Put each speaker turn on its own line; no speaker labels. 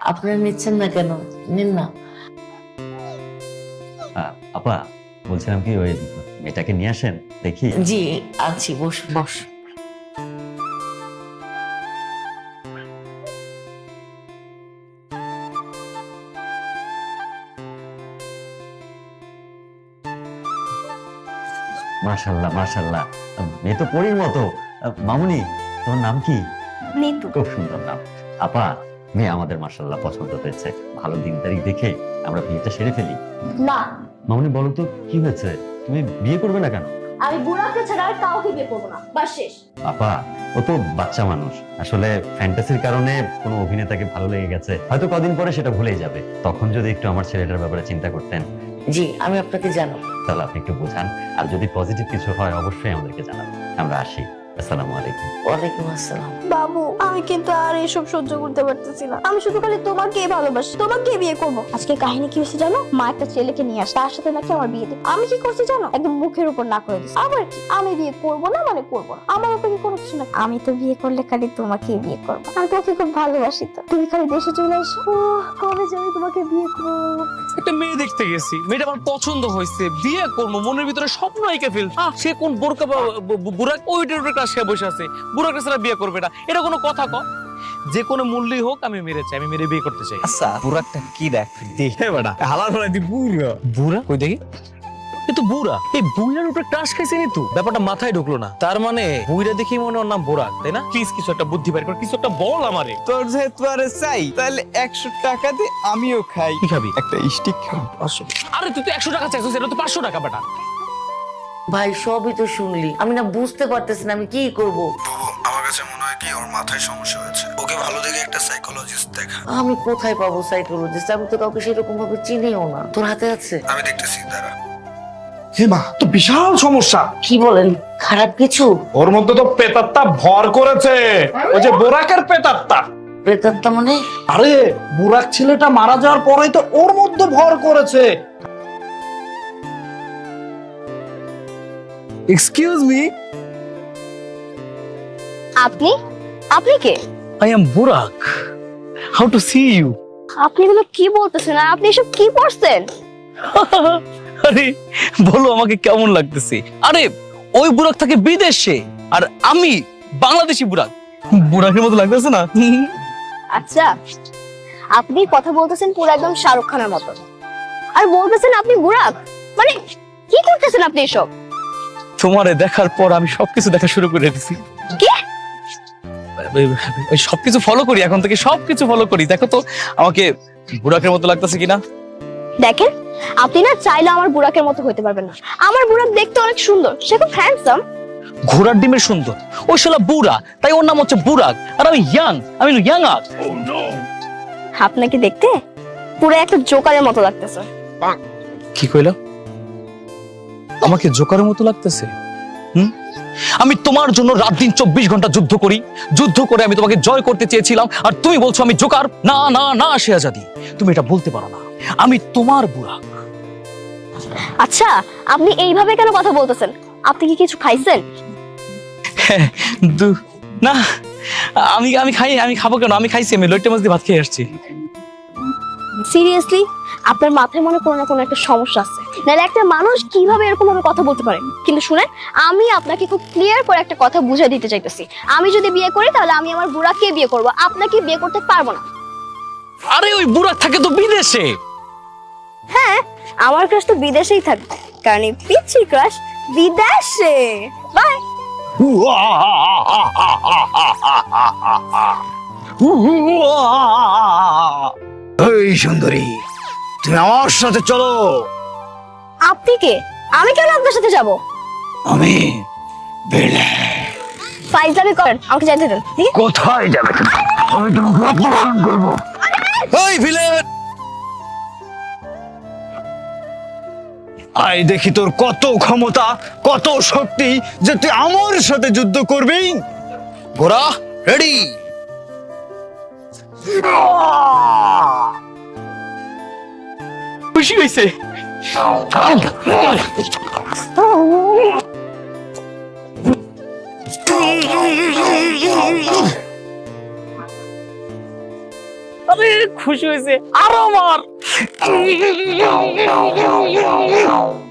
আপনারা নিচ্ছেন না কেন? নিন না।
আপা বলছিলাম কি ওই মেয়েটাকে নিয়ে আসেন দেখি।
জি আছি, বস বস।
মাশাআল্লাহ মাশাআল্লাহ, মেয়ে তো পরীর মতো। মামুনি, তোমার নাম কি?
নিতু।
খুব সুন্দর নাম। আপা, মেয়ে আমাদের মাশাআল্লাহ পছন্দ হয়েছে। ভালো দিন তারিখ দেখে আমরা বিয়েটা সেরে ফেলি।
না,
মামুনি বলো তো কি হয়েছে, তুমি বিয়ে করবে না কেন?
আমি বুড়াকে ছাড়া আর কাউকে বিয়ে করবো না, বাস শেষ।
আপা, ও তো বাচ্চা মানুষ, আসলে ফ্যান্টাসির কারণে কোনো অভিনেতাকে ভালো লেগে গেছে, হয়তো কদিন পরে সেটা ভুলেই যাবে। তখন যদি একটু আমার ছেলেটার ব্যাপারে চিন্তা করতেন।
জি আমি আপনাকে জানাবো।
তাহলে আপনি একটু বোঝান, আর যদি পজিটিভ কিছু হয় অবশ্যই আমাদেরকে জানাবেন। আমরা আসি। আসসালামু আলাইকুম।
ওয়ালাইকুম আসসালাম।
বাবু, আমি কিন্তু আর এসব সহ্য করতে পারতেছি না। আমি শুধু খালি তোমাকেই ভালোবাসি, তোমাকেই বিয়ে করবো। আজকে কাহিনী কি হয়েছে জানো? মা একটা ছেলেকে নিয়ে আসে, তার সাথে নাকি আমার বিয়ে দিবে। আমি কি করছি জানো? একদম মুখের উপর না করে দিচ্ছি। আবার কি আমি বিয়ে করবো না মানে করবো না, আমার উপরে কোনো কিছু না। আমি তো বিয়ে করলে খালি তোমাকেই বিয়ে করবো। আমি তোমাকে খুব ভালোবাসি, তো তুমি খালি দেশে চলে এসো। কবে যে আমি তোমাকে বিয়ে করবো।
একটা মেয়ে দেখতে গেছি, মেয়েটা আমার পছন্দ হয়েছে, বিয়ে করবো, মনের ভিতরে স্বপ্ন এঁকে ফেলছে। সে কোন বোরকা বুড়াক ওইটার উপরে সে বসে আছে, বুড়াকে ছাড়া বিয়ে করবে না, এটা কোনো কথা ক? যে কোনো মূল্যই হোক আমি মেরে চাই, আমি মেরে বিয়ে করতে চাই।
আচ্ছা বুড়াকটা কি দেখ দেখে বেটা হালার ফলে তুই বুড়া
বুড়া কই দেখি? এ তো বুড়া, এই বুড়ার উপরে ক্রাশ খাইছে নি তো, ব্যাপারটা মাথায় ঢুকলো না। তার মানে বুড়া দেখি মনে ওর নাম বুড়াক, তাই না? প্লিজ কিছু একটা বুদ্ধি বের কর, কিছু একটা বল আমারে।
তোর যেহেতু আরে চাই তাহলে 100 টাকা দে, আমিও খাই।
কি খাবি?
একটা স্টিক খাই।
আরে তুই তো 100 টাকা চাইছিস, এটা তো 500 টাকা বেটা।
ভাই সবই তো শুনলি, আমি না বুঝতে পারতেছি না আমি কি করব।
আমার কাছে মনে হয় কি ওর মাথায় সমস্যা হয়েছে, ওকে ভালো দেখে একটা সাইকোলজিস্ট দেখা।
আমি কোথায় পাবো সাইকোলজিস্ট? আমি তো কাউকে সেরকম ভাবে চিনিও না। তোর হাতে আছে?
আমি দেখতেছি, দাঁড়া।
হে মা, তো বিশাল সমস্যা।
কি বলেন? খারাপ কিছু?
ওর মধ্যে তো পেতাত্তা ভর করেছে, ওই যে বোরাকের পেতাত্তা।
প্রেতাত্মা মানে?
আরে বুরাক ছেলেটা মারা যাওয়ার পরেই তো ওর মধ্যে ভর করেছে।
এক্সকিউজ মি,
আপনি আপনি কে?
I am Burak. How to see you?
আপনি এগুলো কি বলতেছেন? আর আপনি এসব কি করছেন?
আরে বলো আমাকে কেমন লাগতেছে? আরে ওই বুড়াক থাকে বিদেশে, আর আমি বাংলাদেশি বুড়াক। বুড়াকের মতো লাগতেছে না?
আচ্ছা, আপনি কথা বলতেছেন পুরো একদম শাহরুখ খানের মতো, আর বলতেছেন আপনি বুড়াক। মানে কি করতেছেন আপনি এসব?
তোমারে দেখার পর আমি সবকিছু দেখা শুরু করে দিছি।
কি?
ওই সবকিছু ফলো করি, এখন থেকে সবকিছু ফলো করি। দেখো তো আমাকে বুড়াকের মতো লাগতেছে কিনা।
দেখেন, আপনি না চাইলে আমার বুড়াকের মতো হইতে পারবেন না। আমার বুড়াক দেখতে অনেক সুন্দর, সে খুব হ্যান্ডসাম।
ঘোড়ার ডিমের সুন্দর, ওই শালা বুড়া, তাই ওর নাম হচ্ছে বুড়াক, আর আমি ইয়াং, আমি ইয়াং আপ।
আপনাকে দেখতে পুরো একটা জোকারের মতো লাগতেছে।
কি কইলা? আমাকে জোকারের মতো লাগতেছে? আমি তোমার জন্য রাত দিন 24 ঘন্টা যুদ্ধ করি, যুদ্ধ করে আমি তোমাকে জয় করতে চেয়েছিলাম, আর তুমি বলছো আমি জোকার? না না না শেহাজাদি, তুমি এটা বলতে পারো না। আমি তোমার বুড়া।
আচ্ছা, আপনি এইভাবে কেন কথা বলতেছেন? আপনি কি কিছু খাইছেন?
না, আমি আমি খাই, আমি খাবো কেন? আমি খাইছি, আমি লইট্টে মাছ দিয়ে ভাত খেয়ে আসছি।
সিরিয়াসলি আপনার মাথায় মনে কোনো না কোনো একটা সমস্যা আছে, নাহলে একটা মানুষ কিভাবে এরকম ভাবে কথা বলতে পারে? কিন্তু শুনেন, আমি আপনাকে খুব ক্লিয়ার করে একটা কথা বুঝিয়ে দিতে চাইতেছি। আমি যদি বিয়ে করি তাহলে আমি আমার বুড়াকে বিয়ে করব, আপনাকে বিয়ে করতে পারবো না।
আরে ওই বুড়া থাকে তো বিদেশে।
হ্যাঁ, আমার ক্রাশ তো বিদেশেই থাকবে, কারণ এই পিচ্ছি ক্রাশ বিদেশে। বাই।
এই সুন্দরী, তুমি আমার সাথে চলো।
আপনি কে? আমি কেন আপনার সাথে যাব?
আমি বেলে।
ফাইজলামি করেন, আমাকে যেতে দেন। ঠিক আছে?
কোথায় যাবে তুমি? আমি তোমাকে অপহরণ করবো। এই ভিলেন, আই দেখি তোর কত ক্ষমতা, কত শক্তি যে তুই আমার সাথে যুদ্ধ করবি। ঘোড়া রেডি।
খুশি হয়েছে। আরে খুশি হয়েছে আরো মার।